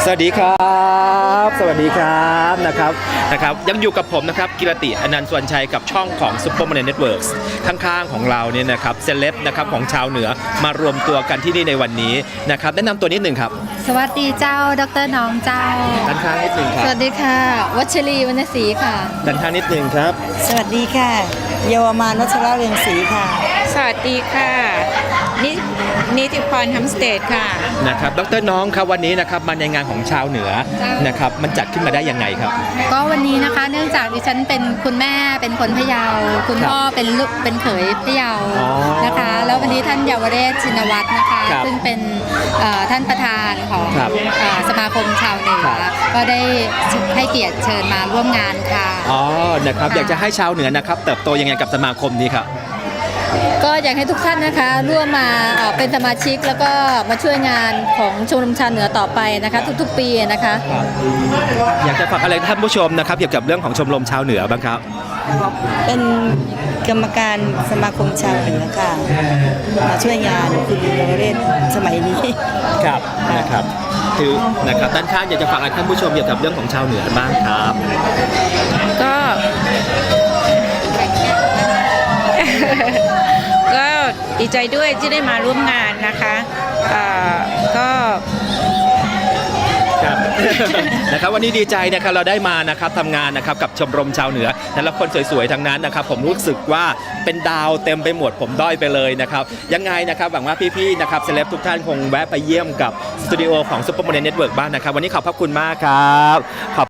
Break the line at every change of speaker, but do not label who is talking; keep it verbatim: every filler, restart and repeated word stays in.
สวัสดีครับสวัสดีครับนะครับนะครับยังอยู่กับผมนะครับกิรติอนันต์สวนชัยกับช่องของ Superman Networks ข้างๆของเราเนี่ยนะครับเซเลบนะครับของชาวเหนือมารวมตัวกันที่นี่ในวันนี้นะครับแนะนำตัวนิดหนึ่งครับ
สวัสดีเจ้าดรน้องเจ้า
ด้านข้างนิดหนึ่งครับ
สวัสดีค่ะวัชรีวรรณศรีค่ะ
ด้านข้างนิดหนึ่งครับ
สวัสดีค่ะเยาวมานวัชระเรืองศรีค่ะ
สวัสดีค่ะนินิติพรฮัมสเตดค่ะ
นะครับดรน้องครับวันนี้นะครับมาในงานของชาวเหนือนะครับมันจัดขึ้นมาได้ยังไงครับ
ก็วันนี้นะคะเนื่องจากดิฉันเป็นคุณแม่เป็นคนพะเยาคุณพ่อเป็นลูกเป็นเขยพะเยานะคะแล้ววันนี้ท่านเยาวเรศชินวัตรนะคะซึ่งเป็นท่านประธานของสมาคมชาวเหนือก็ได้ให้เกียรติเชิญมาร่วมงานค่ะ
อ๋อนะครับอยากจะให้ชาวเหนือนะครับเติบโตยังไงกับสมาคมนี้ครับ
ก็อยากให้ทุกท่านนะคะร่วมมาเป็นสมาชิกแล้วก็มาช่วยงานของชมรมชาวเหนือต่อไปนะคะทุกๆปีนะคะ
อยากจะฝากอะไรท่านผู้ชมนะครับเกี่ยวกับเรื่องของชมรมชาวเหนือบ้างครับ
เป็นกรรมการสมาคมชาวเหนือค่ะมาช่วยงานคุณเยาวเรศสมัยนี้
ครับนะครับคือนะครับด้านข้างอยากจะฝากอะไรท่านผู้ชมเกี่ยวกับเรื่องของชาวเหนือบ้างครับ
ก็ก็ดีใจด้วยที่ได้มาร่วมงานนะคะก็
นะครับวันนี้ดีใจนะครับเราได้มานะครับทำงานนะครับกับชมรมชาวเหนือแต่ละคนสวยๆทั้งนั้นนะครับผมรู้สึกว่าเป็นดาวเต็มไปหมดผมด้อยไปเลยนะครับยังไงนะครับหวังว่าพี่ๆนะครับเซเลบทุกท่านคงแวะไปเยี่ยมกับสตูดิโอของ Superman Network บ้างนะครับวันนี้ขอบพระคุณมากครับขอบ